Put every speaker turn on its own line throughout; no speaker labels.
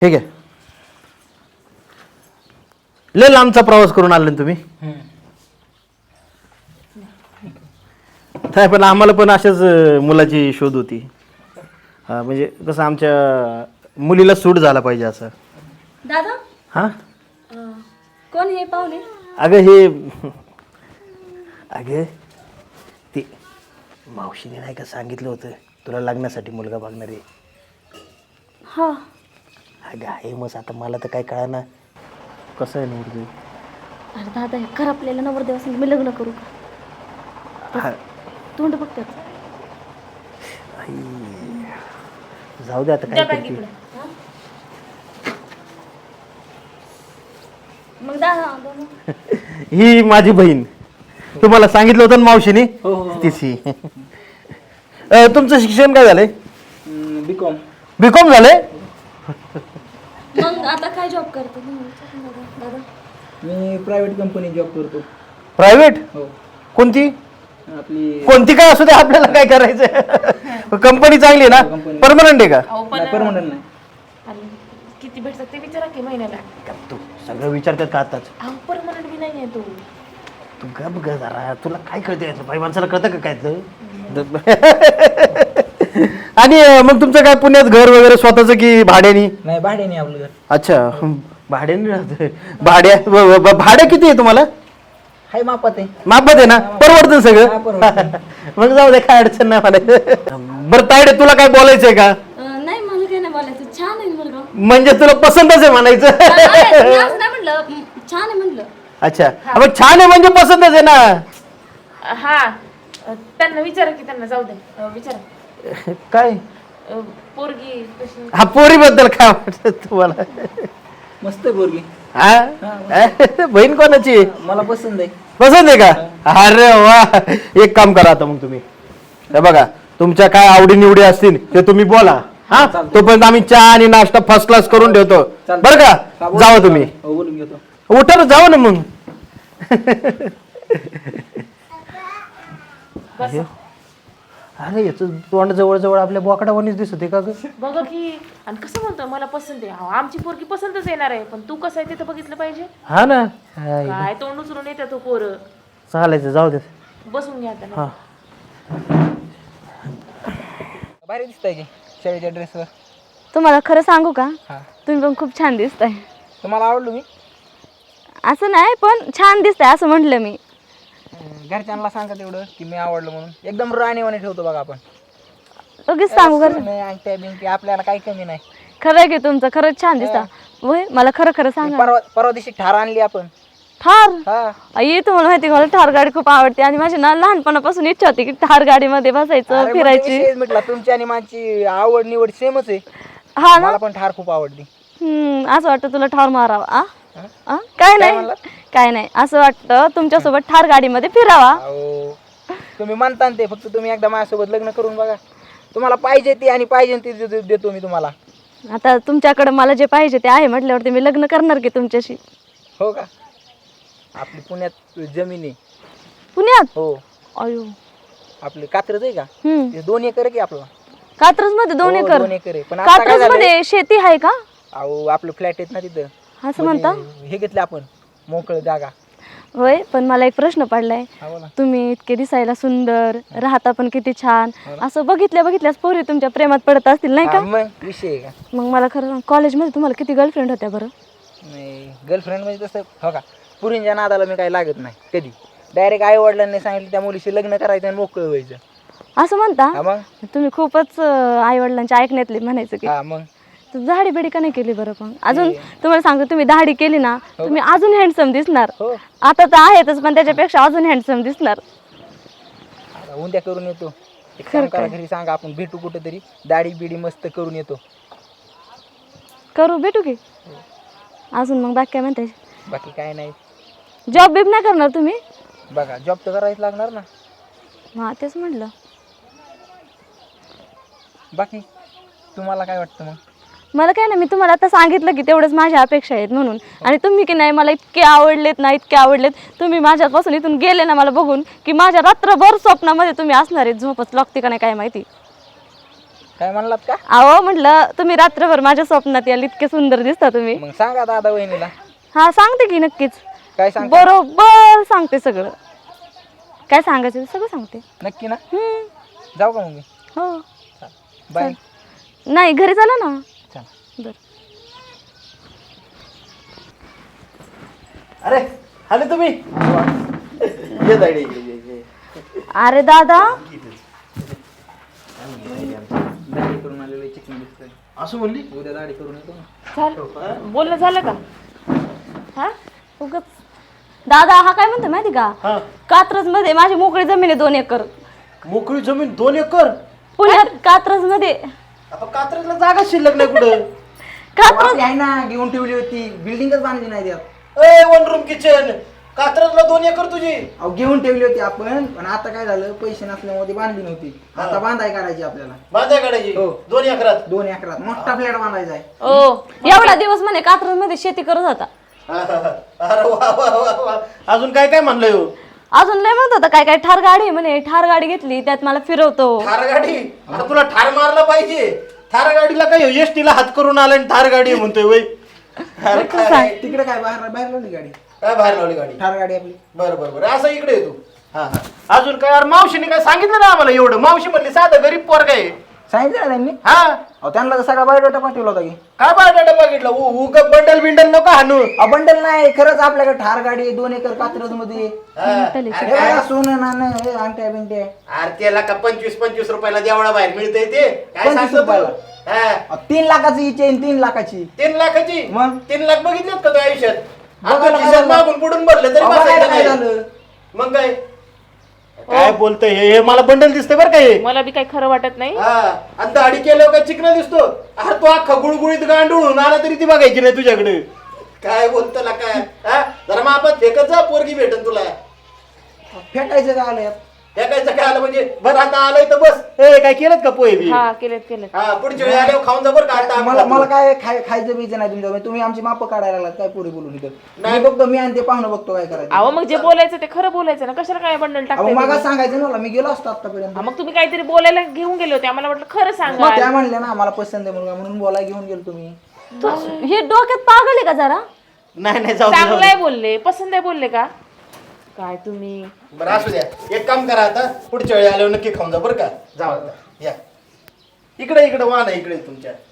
ठीक आहे. लय लांबचा प्रवास करून आले ना तुम्ही. नाही पण आम्हाला पण अशाच मुलाची शोध होती. हा म्हणजे कसं आमच्या मुलीला सूट झाला पाहिजे असं.
दादा
हा
कोण हे पाहुणे?
अगं ती मावशीने नाही का सांगितलं होतं तुला लग्नासाठी मुलगा बघणार आहे.
हा
अगं आहे मग आता मला तर काय कळना कसं आहे नवरदेव.
अरे दादा हे खराबलेलं नवरदेव असेल मी लग्न करू का? तोंड बघतात.
जाऊ दे आता काय करते.
मग दादा
ही माझी बहीण तुम्हाला सांगितलं होतं ना मावशीने तिची. तुमचं शिक्षण काय झालंय?
बीकॉम.
बीकॉम झालंय.
मग आता काय जॉब करतो दादा?
मी प्रायव्हेट कंपनी जॉब करतो.
प्रायव्हेट?
हो.
कोणती?
आपली
कोणती काय असू दे आपल्याला काय करायचं. कंपनी चांगली आहे ना? परमनंट आहे का?
परमनंट नाही.
किती भेटतात ते विचारा की महिन्याला.
तू सगळं विचारतात का आताच?
परमनंट बी नाही आहे तो.
तू गप ग जरा तुला काय कळतं यातलं बाई माणसाला कळतं का काय आणि मग तुमचं काय पुण्यात घर वगैरे स्वतःच की भाड्यानी?
नाही भाड्याने आपलं घर.
अच्छा भाड्याने राहत. भाडं किती आहे तुम्हाला?
हाय मापात आहे.
मापात आहे ना? परवडतं
हा,
सगळं.
परवडतं.
मग जाऊ दे काय अडचण नाही मला. बरं तायडे तुला काय बोलायचंय का?
नाही मला काय नाही बोलायचं. छान आहे मुलगा.
म्हणजे तुला पसंतच आहे म्हणायचं.
मी असं नाही म्हणलं. छान आहे म्हणलं.
अच्छा मग छान आहे म्हणजे पसंतच आहे ना.
हा त्यांना विचारा की त्यांना जाऊ दे विचारा.
काय
पोरगी कशी?
हा पोरीबद्दल काय वाटत तुम्हाला?
मस्त आहे पोरगी.
हा बहीण कोणाची?
मला पसंत आहे.
पसंत आहे का? अरे वा. एक काम करा आता मग तुम्ही हे बघा तुमच्या काय आवडी निवडी असतील ते तुम्ही बोला. हा तोपर्यंत आम्ही चहा आणि नाश्ता फर्स्ट क्लास करून ठेवतो बरं का. जावा तुम्ही.
हो, बोलून घेतो.
उठा जावा ना मग. अरे याच तोंड जवळ जवळ आपल्या बोकडावानीच दिसते का ग?
बघा की. आणि कसं म्हणतो मला पसंत आहे. आमची पोरगी पसंतच येणार आहे पण तू कसं आहे ते तर बघितलं पाहिजे.
हा ना
काय तोंड उचलून येते तो पोर.
चालायचं जाऊ दे.
बसून घ्या आता.
हा
भारी दिसतंय की शाळेच्या ड्रेसवर.
तुम्हाला खरं सांगू का?
हा.
तुम्ही पण खूप छान दिसताय.
तुम्हाला आवडलो मी?
असं नाही पण छान दिसताय असं म्हटलं मी.
घरच्यांना सांगा तेवढं की मी आवडलो म्हणून. एकदम राणीवाणी ठेवतो बघा आपण.
लगेच सांगू खरं.
नाही अंगठ्या बिंगठ्या आपल्याला काही कमी नाही.
खरं आहे की तुमचं खरंच छान दिसता. होय मला खरं खरं सांगा.
परवा दिवशी ठार आणली आपण.
ठार?
हा.
आई तुम्हाला माहिती का मला ठार गाडी खूप आवडते आणि माझी ना लहानपणापासून इच्छा होती की ठार गाडीमध्ये बसायचं
अरे मग
फिरायची.
ते विषयच म्हटलं तुमची आणि माझी आवड निवड सेमच आहे.
हा ना.
मला पण ठार खूप आवडली.
असं वाटतं तुला ठार मारावा. काय नाही काय नाही असं वाटतं तुमच्यासोबत ठार गाडीमध्ये फिरावा.
अहो तुम्ही म्हणता ना ते फक्त तुम्ही एकदा माझ्यासोबत लग्न करून बघा. तुम्हाला पाहिजे ते आणि पाहिजे ते देतो मी तुम्हाला.
आता तुमच्याकडे मला जे पाहिजे ते आहे म्हटल्यावरती मी लग्न करणार की तुमच्याशी.
हो का? आपली पुण्यात जमीन आहे.
पुण्यात?
हो.
अयो
आपली कात्रज आहे का? ते 2 एकर आहे की आपलं.
कात्रज मध्ये 2 एकर?
2 एकर आहे. पण आता काय
कात्रज
झालंय?
मध्ये शेती आहे का?
अहो आपलं फ्लॅट आहेत ना तिथं.
असं म्हणता?
हे घेतलं आपण मोकळं जागा.
होय पण मला एक प्रश्न पडलाय.
हा बोला.
तुम्ही इतके दिसायला सुंदर राहता पण किती छान असं बघितल्याच पोरी तुमच्या प्रेमात पडत असतील नाही
हा,
का?
मग विषय आहे का?
मग मला खरं कॉलेजमध्ये तुम्हाला किती गर्लफ्रेंड होत्या बरं?
नाही गर्लफ्रेंड म्हणजे तसं हो का पुरींच्या नादाला मी काही लागत नाही कधी. डायरेक्ट आई वडिलांनी सांगितलं त्या मुलीशी लग्न करायचं आणि मोकळं व्हायचं.
असं म्हणता?
हा मग.
तुम्ही खूपच आई वडिलांच्या ऐकण्यातले म्हणायचं की.
हा मग.
दाढी बिडी का नाही केली बरं? पण अजून तुम्हाला सांगतो तुम्ही दाढी केली ना तुम्ही अजून हँडसम दिसणार.
हो.
आता तर आहेतच पण त्याच्यापेक्षा अजून हँडसम दिसणार.
आता उद्या करून येतो. एक काम करा घरी सांगा आपण भेटू कुठेतरी दाढी बिडी मस्त करून येतो.
करू भेटू की. अजून मग बाकी काय म्हणताय?
बाकी काय नाही.
जॉब बिब नाही करणार तुम्ही?
बघा जॉब तर करायच लागणार ना.
हा तेच म्हटलं.
बाकी तुम्हाला काय वाटतं मग?
मला काय नाही मी तुम्हाला आता सांगितलं की तेवढंच माझ्या अपेक्षा आहेत म्हणून. आणि तुम्ही की नाही मला इतके आवडलेत ना इतके आवडलेत. तुम्ही माझ्यापासून इथून गेले ना मला बघून की माझ्या रात्रभर स्वप्नामध्ये तुम्ही असणार आहेत. झोपच लागते का नाही काय माहिती.
काय म्हणलात का?
अहो म्हटलं तुम्ही रात्रभर माझ्या स्वप्नात याल, इतके सुंदर दिसता तुम्ही.
मग सांगा दादा वहिनीला.
हा सांगते की नक्कीच,
काय सांग
बरोबर सांगते सगळं. काय सांगायचं ते सगळं सांगते.
नक्की ना?
हम्म.
जाऊ का मग मी?
हो.
बाय.
नाही घरी चला ना.
चला.
बर.
अरे आले तुम्ही ये तायडे, ये.
अरे दादा
दाढी करून आलेलो चिकन दिसतोय.
असं म्हणली?
उद्या दाढी करून येतो ना.
झालं बोलणं झालं का? हा
उगाच. दादा हा काय म्हणतो माहिती का,
हा.
कात्रज मध्ये माझी मोकळी जमीन आहे 2 एकर.
मोकळी जमीन 2 एकर?
पुण्यात कात्रज मध्ये.
आता कात्रजला जागा शिल्लक नाही कुठं?
कात्रज
आपली आहे ना, घेऊन ठेवली होती, बिल्डिंगच बांधली नाही त्यात.
ए 1 रूम किचन, कात्रजला 2 एकर तुझी?
अहो घेऊन ठेवली होती आपण, पण आता काय झालं, पैसे नसल्यामुळे ती बांधली नव्हती. आता बांधाय करायची आपल्याला.
बांधाय काढायची?
हो.
2 एकरात?
2 एकरात मोठा फ्लॅट बांधायचा आहे.
ओ एवढा दिवस म्हणे कात्रज मध्ये शेती करत होता.
अरे वा वा वा वा. अजून काय काय म्हणलंय हो?
अजून लय म्हणत होता काय काय ठार गाडी आहे म्हणे, ठार गाडी घेतली त्यात मला फिरवतो.
थार गाडी? आता तुला ठार मारला पाहिजे. थार गाडीला काय एसटीला हात करून आला आणि थार गाडी म्हणतोय वय? अरे काय
तिकडे काय बाहेर बाहेर लावली गाडी,
काय बाहेर लावली गाडी?
ठार गाडी आपली.
बरं बरं बरं, असं इकडे येतो. हा हा. अजून काय? अरे मावशीने काय सांगितलं ना आम्हाला एवढं? मावशी म्हणली साधं गरीब पोरगा आहे.
सांगितलं ना त्यांनी.
हा.
अहो त्यांना तर सगळा बायोडाटा पाठवला होता की.
काय बायोडाटा बघितलं? उग बंडल बिंडल नको हाणू.
बंडल नाही, खरंच आपल्याकडे ठार गाडी आहे 2 एकर कात्रज मध्ये. सोनं नाणं अंगठ्या बिंट्या.
अरे त्याला का 25-25 रुपयाला देवळा बाहेर मिळतंय ते? काय
25
सांगतो तू?
रुपयाला?
हा.
3 लाखाची ही चेन, 3 लाखाची.
3 लाखाची?
मग?
3 लाख बघितलेत का तू आयुष्यात?
बघायला
आपण
काय
खिशात
झालं?
मागून पुढून भरलं तरी
अहो, बघायला
बसायचं
काय
नाही.
झालं?
मग काय काय बोलतोय हे? मला बंडल दिसतंय बरं का हे.
मला बी काही खरं वाटत नाही.
हा. आणि दाढी केल्यावर काय चिकना दिसतो? अरे तो अख्खा गुळगुळीत गांडूळून आला तरी ती बघायची नाही तुझ्याकडे. काय बोलतो ला काय? हा? जरा मग आपण फेकत जा, पोरगी भेटन तुला.
फेकायचं काय आलं यात?
फेकायचं काय आलं म्हणजे? बरं आता आलंय तर बस. ए काय केलं का पोहे बी?
हा केलेत.
हा पुढच्या वेळी आल्यावर खाऊन जा बरं का. आता
मला मला काय खायचं बीचं नाही तुमच्या. तुम्ही आमची माप काढायला लागलात काय पुढे बोलून इथं. मी बघतो, मी आणि ते पाहुणं बघतो काय करायचं.
अहो मग जे बोलायचं ते खरं बोलायचं ना, कशाला काय बंडल
अहो
टाकताय
मग
तुम्ही?
सांगायचं ना मला, मी गेलो असतो आतापर्यंत.
मग तुम्ही काहीतरी बोलायला घेऊन गेले होते, आम्हाला वाटलं खरं सांगा.
मग त्या म्हणल्या ना मला पसंत आहे मुलगा, म्हणून बोलायला घेऊन गेलो तुम्ही.
हे डोक्यात पागल आहे का जरा?
नाही नाही जाऊ दे, जाऊ
चांगलं आहे बोलले, पसंत आहे बोलले का काय तुम्ही?
दे. बरं असू द्या. एक काम करा आता, पुढच्या वेळी आल्यावर नक्की खाऊन जा बरं का. जाऊ आता या इकडे वाहन आहे इकडे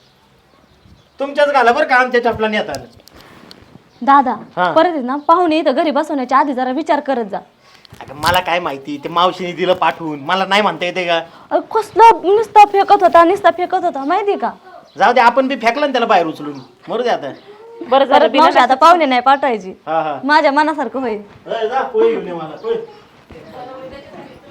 तुमच्याच घाला बरं का, आमच्या चपला नेता.
दादा
हा.
परत आहे ना पाहुणे इथं घरी बसवण्याच्या आधी जरा विचार करत जा.
अगं मला काय माहिती, ते मावशीने दिलं पाठवून, मला नाही म्हणता येते का?
कसलं नुसता फेकत होता माहिती का?
जाऊ दे, आपण बी फेकला ना त्याला बाहेर उचलून. मरू दे आता.
बरं झालं
परत मावशी आता पाहुणे नाही पाठवायची.
हा हा.
माझ्या मनासारखं होईल.
जा पोहे घेऊन ये मला पोहे.